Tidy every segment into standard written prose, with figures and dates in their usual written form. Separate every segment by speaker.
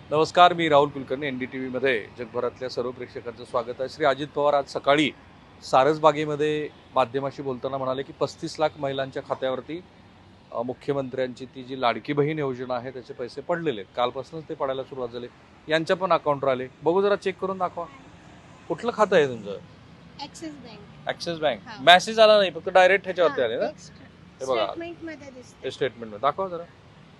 Speaker 1: नमस्कार, मी राहुल कुलकर्णी. NDTVमध्ये जगभरातल्या सर्व प्रेक्षकांचं स्वागत आहे. श्री अजित पवार आज सकाळी सारसबागेमध्ये माध्यमाशी बोलताना म्हणाले की 35 लाख महिलांच्या खात्यावरती मुख्यमंत्र्यांची ती जी लाडकी बहीण योजना आहे त्याचे पैसे पडलेले आहेत. कालपासूनच ते पडायला सुरुवात झाली. यांच्या पण अकाउंटवर आले. बघू जरा चेक करून दाखवा. कुठलं खातं आहे तुमचं?
Speaker 2: Axis bank.
Speaker 1: Axis bank.
Speaker 2: हा.
Speaker 1: मेसेज आला नाही, फक्त डायरेक्ट ह्याच्यावरती आले ना? हे बघा.
Speaker 2: स्टेटमेंट मध्ये दिसते.
Speaker 1: ते स्टेटमेंट दाखवा जरा.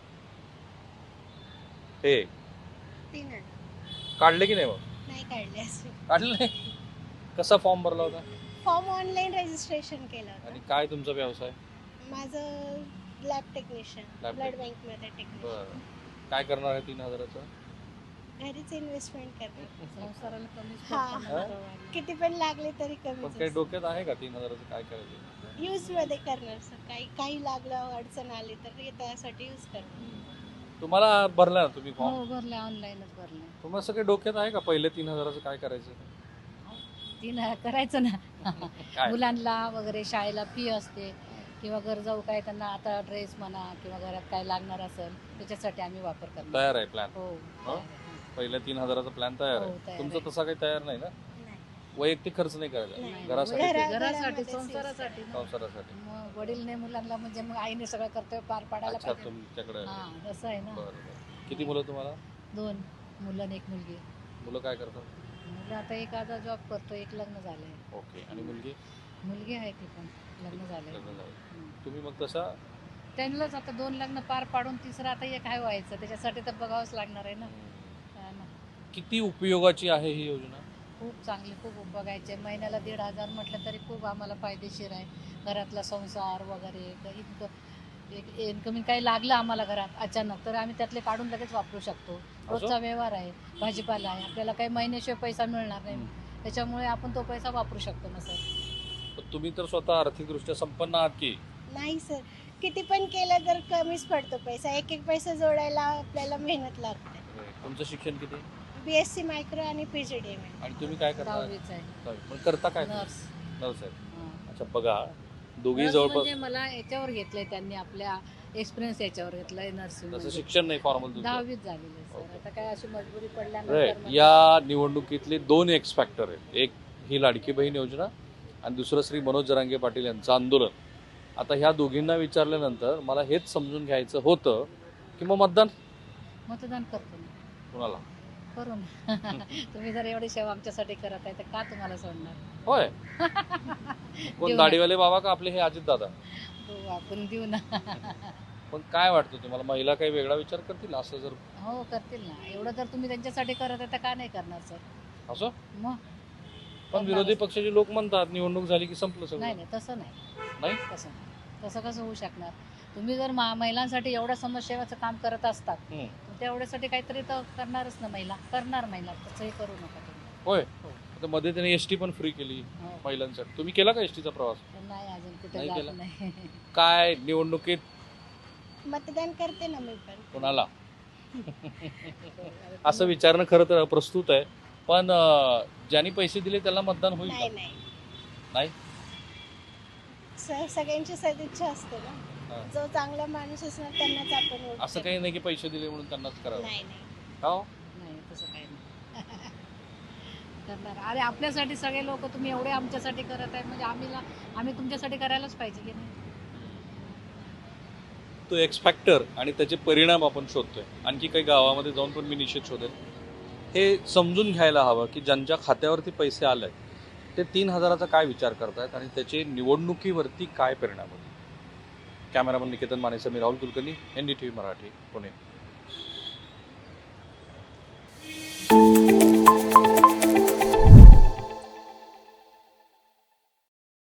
Speaker 1: हे
Speaker 2: 3
Speaker 1: काढले की नाही? मग
Speaker 2: नाही काढले असे.
Speaker 1: काढले नाही. कसा फॉर्म भरला होता
Speaker 2: फॉर्म ऑनलाईन रजिस्ट्रेशन केलं
Speaker 1: आणि
Speaker 2: होतं.
Speaker 1: काय तुमचा व्यवसाय?
Speaker 2: माझं lab technician,
Speaker 1: Lab
Speaker 2: blood
Speaker 1: tech.
Speaker 2: Bank मध्ये टेक्निशियन.
Speaker 1: बरं. काय करणार आहे 3,000चं?
Speaker 2: घरीच इन्व्हेस्टमेंट करणार.
Speaker 3: संसाराला कमीच
Speaker 2: हा.
Speaker 3: पडतं.
Speaker 2: किती पण लागले तरी
Speaker 1: पण काही
Speaker 2: कमीच.
Speaker 1: डोक्यात आहे का 3,000चं काय करायचं?
Speaker 2: यूज मध्ये करणार सर. काही लागलं अडचण आली तर त्यासाठी यूज करणार.
Speaker 1: तुम्हाला भरला ना तुम्ही फॉर्म?
Speaker 3: हो भरले, ऑनलाईनच भरले.
Speaker 1: तुम्हाला सगळे डोक्यात आहे का पहिले 3,000चं काय करायचं?
Speaker 3: तीन करायचं ना.
Speaker 1: काय?
Speaker 3: मुलांना वगैरे शाळेला फी असते किंवा गरजाऊ काय त्यांना आता ड्रेस म्हणा किंवा घरात काय लागणार असेल त्याच्यासाठी आम्ही वापर करणार.
Speaker 1: तयार आहे प्लॅन?
Speaker 3: हो
Speaker 1: हो? पहिल्या 3,000चा प्लॅन तयार
Speaker 3: हो,
Speaker 1: आहे.
Speaker 3: तयार
Speaker 1: तुमचं
Speaker 3: आहे.
Speaker 1: तसा काही तयार नाही ना?
Speaker 2: नाही.
Speaker 1: वैयक्तिक खर्च नाही करायचा
Speaker 2: नाही.
Speaker 1: घरासाठी?
Speaker 3: घरासाठी
Speaker 2: घरामध्येच
Speaker 3: संसारासाठी ना.
Speaker 1: संसारासाठी?
Speaker 3: मग वडील नाही मुलांना म्हणजे मग आईने सगळं कर्तव्य पार पाडायला
Speaker 1: अच्छा,
Speaker 3: पाहिजे.
Speaker 1: तुमच्याकडे
Speaker 3: हा तसं आहे ना.
Speaker 1: बरं. किती मुलं तुम्हाला?
Speaker 3: 2 मुलं आणि 1 मुलगी.
Speaker 1: मुलं काय करतात?
Speaker 3: मुलं आता एक आता जॉब करतो, एक लग्न झालंय.
Speaker 1: ओके. आणि मुलगी?
Speaker 3: मुलगी आहे ती पण लग्न झालंय.
Speaker 1: लग्न झालं.
Speaker 3: हम्म.
Speaker 1: तुम्ही मग तसा
Speaker 3: त्यांनाच आता 2 लग्न पार पाडून तिसरं आता एक काय व्हायचं त्याच्यासाठी तर बघावंच लागणार आहे ना. हा ना.
Speaker 1: किती उपयोगाची आहे ही योजना?
Speaker 3: खूप चांगली, खूप बघायचे. महिन्याला 1,500 म्हटलं तरी खूप आम्हाला फायदेशीर आहे. घरातला संसार वगैरे एक इन्कमिंग काही लागलं आम्हाला घरात अचानक तर आम्ही त्यातले काढून लगेच वापरू शकतो. रोजचा व्यवहार आहे, भाजीपाला आहे, आपल्याला काही महिन्याशिवाय पैसा मिळणार नाही. त्याच्यामुळे आपण तो पैसा वापरू शकतो ना सर.
Speaker 1: पण तुम्ही तर स्वतः आर्थिकदृष्ट्या संपन्न आहात की?
Speaker 2: नाही सर. किती पण केलं तर कमीच पडतो पैसा. एक एक पैसा जोडायला आपल्याला मेहनत लागते.
Speaker 1: तुमचं शिक्षण किती?
Speaker 2: BSc मायक्रो आणि PGDM.
Speaker 1: आणि तुम्ही काय करता?
Speaker 3: 10वीच आहे.
Speaker 1: पण करता काय?
Speaker 3: नर्स.
Speaker 1: नर्स आहे.
Speaker 3: हा.
Speaker 1: अच्छा, बघा दोघी
Speaker 3: नर्स
Speaker 1: जवळपास
Speaker 3: म्हणजे मला याच्यावर घेतलंय त्यांनी आपल्या एक्सपिरियन्स याच्यावर घेतलंय नर्सिंग.
Speaker 1: जसं शिक्षण नाही फॉर्मल तुमचं.
Speaker 3: 10वीच झालेली सर.
Speaker 1: ओके.
Speaker 3: आता काय अशी मजबुरी
Speaker 1: राईट.
Speaker 3: पडल्यानंतर मग-
Speaker 1: या निवडणुकीतले 2 एक्स फॅक्टर आहेत. एक ही लाडकी बहीण योजना आणि दुसरं श्री मनोज जरांगे पाटील यांचं आंदोलन. आता ह्या दोघींना विचारल्यानंतर मला हेच समजून घ्यायचं होतं की मग
Speaker 3: मतदान करतो ना.
Speaker 1: कुणाला?
Speaker 3: करू ना. तुम्ही जर एवढी सेवा आमच्यासाठी करत आहे तर का तुम्हाला सोडणार.
Speaker 1: होय. कोण
Speaker 3: देऊ
Speaker 1: दाढीवाले बाबा का आपले हे अजित दादा?
Speaker 3: हो आपण देऊ ना.
Speaker 1: पण काय वाटतं तुम्हाला, महिला काही वेगळा विचार करतील असं जर?
Speaker 3: हो करतील ना. एवढं जर तुम्ही त्यांच्यासाठी करत आहे तर का नाही करणार सर.
Speaker 1: असं
Speaker 3: मग
Speaker 1: पण विरोधी पक्षाचे लोक म्हणतात निवडणूक झाली की संपलं
Speaker 3: नाही
Speaker 1: सगळं.
Speaker 3: नाही तसं नाही.
Speaker 1: नाही?
Speaker 3: तसं नाही. तसं कसं होऊ शकणार. तुम्ही जर महिलांसाठी एवढं समाजसेवाचं काम करत असतात
Speaker 1: हम्म.
Speaker 3: तर तेवढ्यासाठी काहीतरी तर करणारच ना महिला. करणार महिला. तसंही करू नका तुम्ही.
Speaker 1: होय.
Speaker 3: हो.
Speaker 1: आता मध्ये त्याने एसटी पण फ्री केली
Speaker 3: हो.
Speaker 1: महिलांसाठी. तुम्ही केला का एसटीचा प्रवास?
Speaker 3: नाही अजून कुठे
Speaker 1: नाही
Speaker 3: जात
Speaker 1: केला?
Speaker 3: नाही.
Speaker 1: काय निवडणुकीत
Speaker 2: मतदान करते ना मी पण.
Speaker 1: कोणाला असं विचारणं खरं तर अप्रस्तुत आहे. पण ज्यांनी पैसे दिले त्याला मतदान होईल
Speaker 2: नाही
Speaker 1: का?
Speaker 2: नाही.
Speaker 1: नाही?
Speaker 2: सगळ्यांची सदिच्छा असते ना.
Speaker 1: हा.
Speaker 2: जो चांगला माणूस असणार त्यांनाच आपण वोट
Speaker 1: असं
Speaker 2: देणार.
Speaker 1: काही नाही की पैसे दिले म्हणून त्यांनाच करावं.
Speaker 2: नाही नाही.
Speaker 1: का हो?
Speaker 3: नाही तसं काही नाही. करणार. अरे आपल्यासाठी सगळे लोक तुम्ही एवढे आमच्यासाठी करत आहे म्हणजे आम्ही तुमच्यासाठी करायलाच पाहिजे की नाही.
Speaker 1: तो एक्स फॅक्टर आणि त्याचे परिणाम आपण शोधतोय. आणखी काही गावामध्ये जाऊन पण मी निश्चित शोधेल. हे समजून घ्यायला हवं की ज्यांच्या खात्यावरती पैसे आले ते 3,000चा काय विचार करतायत आणि त्याचे निवडणुकीवरती काय परिणाम होते. कॅमेरामन निकेतन मानेसह मी राहुल कुलकर्णी, NDTV मराठी, पुणे.